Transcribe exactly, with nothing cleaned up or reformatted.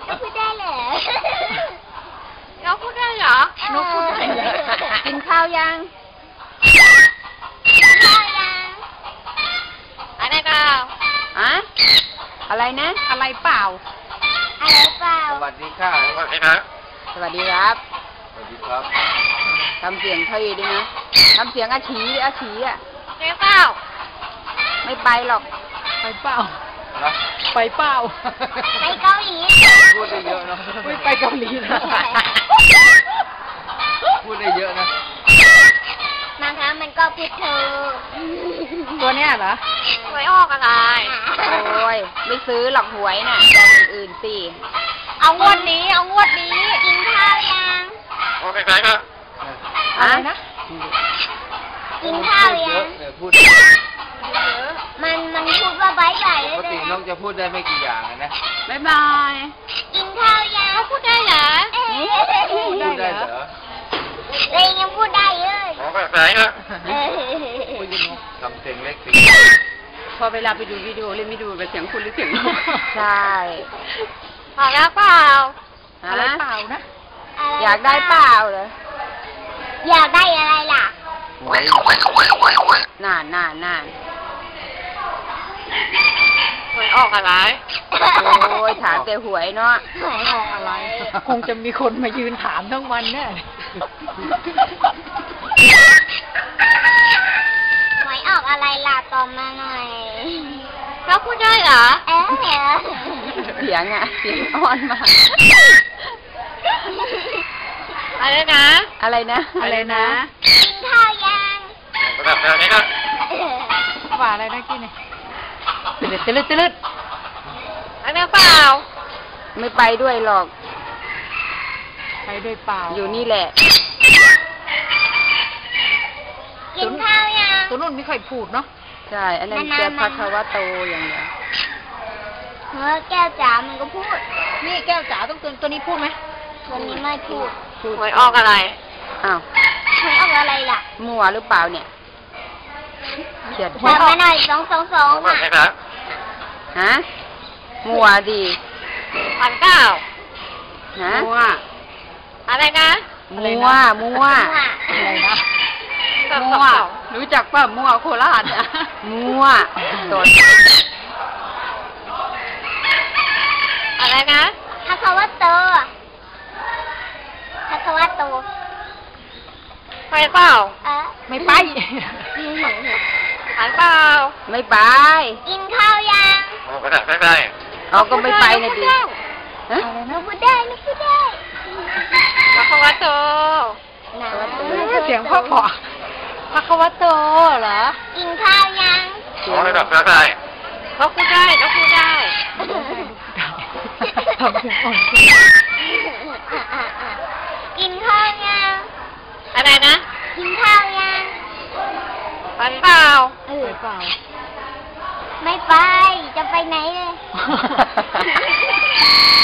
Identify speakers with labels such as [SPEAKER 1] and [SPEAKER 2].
[SPEAKER 1] นกพูดได้เหรอนกพูดได้เหรอน
[SPEAKER 2] กพูดได้เหรอ
[SPEAKER 1] กินข้าวยังกินข้าวยังอะไรเปล่าอะอะไรนะอะไรเปล่าอะไรเปล่า
[SPEAKER 3] สวัสดีค่ะสวัสดีครับ
[SPEAKER 1] สวัสดีครับ
[SPEAKER 3] สวัสดีครับ
[SPEAKER 1] ทำเสียงเท่ด้วยนะทำเสียงอาชีอาชีอ่ะไปเปล่าไม่ไปหรอก
[SPEAKER 2] ไปเปล่า
[SPEAKER 3] นะ
[SPEAKER 2] ไปเปล่า
[SPEAKER 1] ไปเกาหลี
[SPEAKER 3] พูดได้เยอะนะ
[SPEAKER 2] ไม่ไปเกาหลีนะ
[SPEAKER 3] พูดได้เยอะนะ
[SPEAKER 1] บางครั้งมันก็พูดเธอ
[SPEAKER 2] ตัวเนี้ยเหรอ
[SPEAKER 1] หวยออกอะไรโอ้ยไม่ซื้อหรอกหวยน่ะแต่อื่นๆสิเอางวดนี้เอางวดนี้กินข้าวยัง
[SPEAKER 3] โอเคครับ
[SPEAKER 2] อะไรนะ
[SPEAKER 1] กินข้าวยัง
[SPEAKER 3] พูด
[SPEAKER 1] มันมันพูดว่าบายบาย
[SPEAKER 3] ปกติน้องจะพูดได้ไม่กี่อย่างนะ
[SPEAKER 1] บายบายกินข้าวยังพูดได้เหรอ
[SPEAKER 3] พูดได้เหรอ
[SPEAKER 1] เรยยังพูดได้เลย
[SPEAKER 3] โอเคครับทำเสียงเล็กสิ
[SPEAKER 2] พอเวลาไปดูวิดีโอเล่นไม่ดูเป็นเสียงคุณหรือเสียงนก
[SPEAKER 1] ใช่พอแล้วเปล่า
[SPEAKER 2] อะไรเปล่านะ
[SPEAKER 1] อยากได้เปล่าเหรออยากได้อะไรล่ะน่านน่านน่าน
[SPEAKER 3] หวยออกอะไร
[SPEAKER 1] โอ้ยถามแต่หวยเนาะ
[SPEAKER 2] หวยออกอะไรคงจะมีคนมายืนถามทั้งวันแน่
[SPEAKER 1] หวยออกอะไรล่ะตอบมาหน่อยเขาพูดได้เหรอเอ๊ะเสียงอ่ะเสียงอ่อนมากอะไรนะอะไรนะ
[SPEAKER 2] อะไรนะ
[SPEAKER 1] กินข้าวยัง
[SPEAKER 3] แบบนี้ครับ
[SPEAKER 2] ว่าอะไรนะกินเนี่ยตื่นตื่นตื่น
[SPEAKER 1] อะไรเปล่าไม่ไปด้วยหรอก
[SPEAKER 2] ไปด้วยเปล่า
[SPEAKER 1] อยู่นี่แหละกินข้าวยัง
[SPEAKER 2] ตัวนู้นไม่ค่อยพูดเนาะ
[SPEAKER 1] ใช่อันนั้นแกพัทวโตอย่างเดียวเฮ้ยแก้วจ๋ามันก็พูด
[SPEAKER 2] นี่แก้วจ๋าต้องตัวตัวนี้พูดไหม
[SPEAKER 1] ตัวนี้ไม่พูด
[SPEAKER 3] หวยออกอะไร
[SPEAKER 1] อ้าวหวยออกอะไรล่ะมั่วหรือเปล่าเนี่ยเขียนหวยออกหน่อยสองสองสองอ่ะฮะมั่วดีพันเก้าฮะมั่วอะไรนะมั่วมั่ว
[SPEAKER 2] อะไรนะ
[SPEAKER 1] มั่วรู้จักป่ะมั่วโคราชอ่ะมั่วโดนอะไรนะทัศวัตโตทัศวัตโตไปเปล่า
[SPEAKER 2] ไม่ไป
[SPEAKER 1] ไปเปล่าไม่ไปกินข้าวยัง
[SPEAKER 3] ไม่ได้ไม่ได้
[SPEAKER 1] เอาก็ไม่ไปนะดิฮะนึกพูดได้นึกพูดได้ทัศวัตโต
[SPEAKER 2] เสียงพ่อพ่อพระควโตเหรอ
[SPEAKER 1] กินข้าวยัง
[SPEAKER 3] ไม่ได้ไม่ได้
[SPEAKER 1] เขาพูดได้เขาพูดได้
[SPEAKER 2] ทำเสียงอ่อน
[SPEAKER 1] กินข้าวยังอะไรนะกินข้าวยังไปเปล่า
[SPEAKER 2] ไปเปล่า
[SPEAKER 1] ไม่ไปจะไปไหนเลย